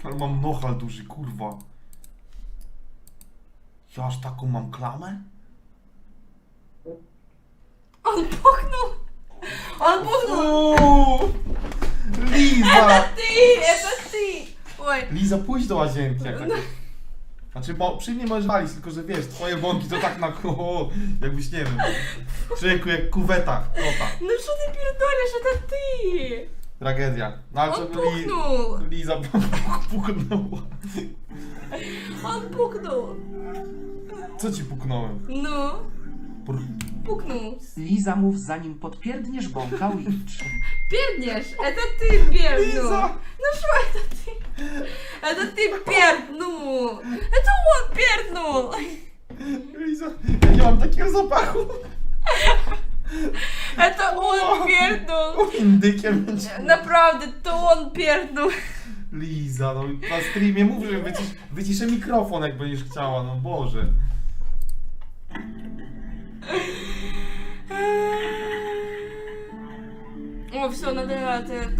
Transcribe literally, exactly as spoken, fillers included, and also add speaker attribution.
Speaker 1: Ale mam nochal duży, kurwa. Ja aż taką mam klamę?
Speaker 2: On puchnął! On puchnął!
Speaker 1: Uuu, Liza!
Speaker 2: Ty! Это ty! Oj.
Speaker 1: Liza, pójdź do łazienki. Jak tak... Znaczy, bo przy mnie możesz walić, tylko że wiesz, twoje bąki to tak na o, jakbyś nie wiem. Człowieku, jak kuweta, kota.
Speaker 2: No co ty pierdolisz? Это ty!
Speaker 1: Tragedia. No ale
Speaker 2: On
Speaker 1: co
Speaker 2: puchnął!
Speaker 1: Li... Liza puknęła.
Speaker 2: On puknął!
Speaker 1: Co ci puknąłem?
Speaker 2: No,
Speaker 1: Por...
Speaker 2: puknął.
Speaker 3: Liza mów zanim podpierdniesz bąka Witch.
Speaker 2: Pierdniesz! Это ты pierdnул!
Speaker 1: Liza!
Speaker 2: Ну что это ты? Это ты pierdнул! Это он pierdнул!
Speaker 1: Liza, ja nie mam takiego zapachu.
Speaker 2: Это он pierdнул!
Speaker 1: Indykiem będzie.
Speaker 2: Naprawdę, to on pierdnął!
Speaker 1: Liza, no na streamie mów, że wycisz, wyciszę mikrofon, jak będziesz chciała, no Boże.
Speaker 2: О, все, надо это